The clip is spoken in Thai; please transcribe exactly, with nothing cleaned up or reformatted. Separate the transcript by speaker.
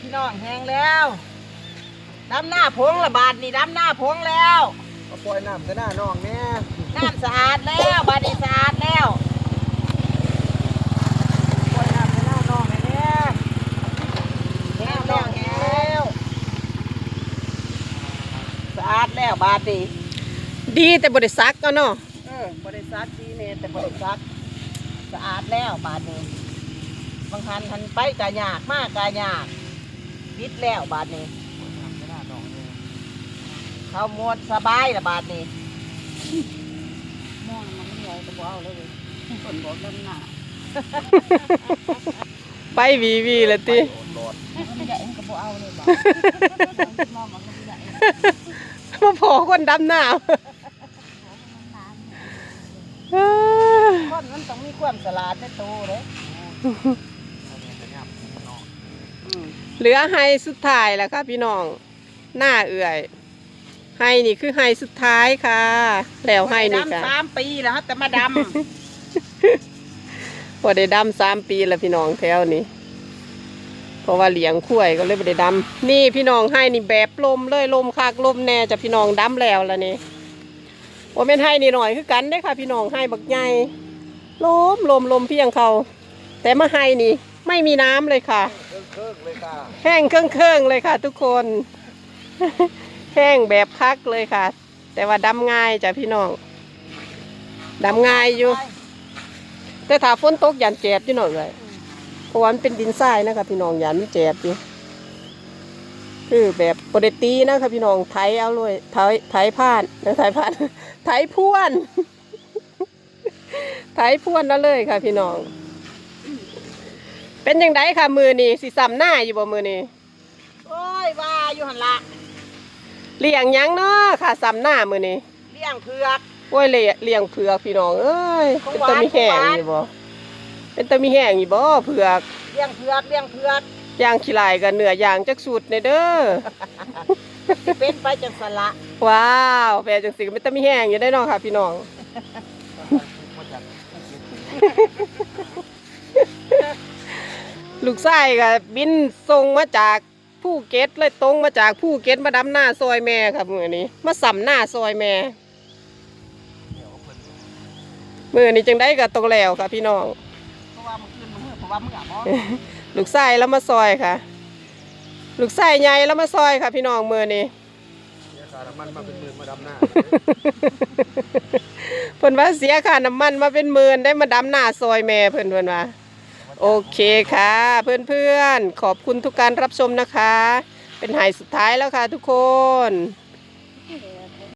Speaker 1: พี่น้องแห้งแล้วดำหน้าพงละบาทนี่ดำหน้าพงแล้ว
Speaker 2: ก็ปล่อยน้ำใส่หน้าน้องเนี่ย
Speaker 1: น้ำสะอาดแล้วบาดนี้สะอาดแล้วปล่อยน้ำใส่หน้าน้องเนี่ยแห้งแล้วแห้งแล้วสะอาดแล้วบาดนี้
Speaker 3: ดีแต่บริษัทก็เนาะ
Speaker 1: เออบริษัทดีเนี่ยแต่บริษัทสะอาดแล้วบาดนี้บางทันทันไปกะยากมากกะยากปิดแล้วบาดนี้เขาหมดสบายละบาดนี้มองมันไม่ใหญ่แต่บ่เอาเลยคนบอกดำหน้า
Speaker 3: ไปวีวีละติ
Speaker 1: มันใหญ่มันก็บ่เอาเลยบ่มองมันไม่ใหญ่
Speaker 3: มาพอคนดำหน้า
Speaker 1: คนมันต้องมีความสลาดในตัวเลย
Speaker 3: เหลือไฮสุดท้ายแล้วค่ะพี่น้องหน้าเอื่อยไฮนี่คือไฮสุดท้ายค่ะแล้วไฮนี่ค่ะ
Speaker 1: ดำสามปีแล้วครับแต่มาด
Speaker 3: ำพอได้ดำสามปีแล้วพี่น้องแถวนี้เพราะว่าเลี้ยงคุ้ยก็เลยไม่ได้ดำนี่พี่น้องไฮนี่แบบลมเลยลมคักลมแน่จะพี่น้องดำแล้วแล้วนี่โอ้เป็นไฮนี่หน่อยคือกันได้ค่ะพี่น้องไฮบักใหญ่ลมลมลมเพียงเขาแต่มาไฮนี่ไม่มีน้ำเลยค่ะแห้งเครื่องเครื่องเลยค่ะทุกคนแห้งแบบคักเลยค่ะแต่ว่าดำง่ายจ้ะพี่น้องดำง่ายอยู่แต่ถ้าฝนตกยันเจ็บอยู่หน่อยเลยเพราะว่ามันเป็นดินทรายนะคะพี่น้องยันไม่เจ็บอยู่คือแบบปกตินะคะพี่น้องไถเอาเลยไถไถผ่านแล้วไถผ่านไถพ่วนไถพ่วนนั่นเลยค่ะพี่น้องเป็นยังไงค่ะมือนี่สิซ้ำหน้าอยู่บ่มือนี่
Speaker 1: โอ้ยว่าอยู่หันละ
Speaker 3: เลี้ยงยังเนาะค่ะซ้ำหน้ามือนี่
Speaker 1: เลี้ยงเผือก
Speaker 3: โอ้ยเลี้ยเลี้ยงเผือกพี่น้องเอ้ยเป็นตะมีแห้งอยู่บ่เป็นตะมีแห้งอยู่บ่เผือก
Speaker 1: เลี้ยงเผือกเลี้ยงเผือก
Speaker 3: ย่างขี้ลายกับเนื้อย่างจักสุดในเด้อ
Speaker 1: เป็นไปจังสละ
Speaker 3: ว้าวแปลจังสิเป็นตะมีแห้งอยู่ได้เนาะค่ะพี่น้องลูกไส้กับบินส่งมาจากภูเก็ตเลยตรงมาจากภูเก็ตมาดำหน้าซอยแม่ครับมือนี้มาสัมหน้าซอยแม่มือนี้จังได้กับตรงแล้วค่ะพี่น้อง
Speaker 1: เพราะว่ามันขึ้นมือเพราะว่ามืออ่ะ
Speaker 3: ลูกไส้แล้วมาซอยค่ะลูกไส้ใหญ่แล้วมาซอยค่ะพี่น้องมือนี้
Speaker 2: มันมาเป็นหมื่นมาดำหน้า
Speaker 3: เพิ่นว่าเสียค่าน้ำมันมาเป็นหมื่นได้มาดำหน้าซอยแม่เพิ่นเพิ่นว่าโอเคค่ะเพื่อนๆขอบคุณทุกการรับชมนะคะเป็นไฮสุดท้ายแล้วค่ะทุกคน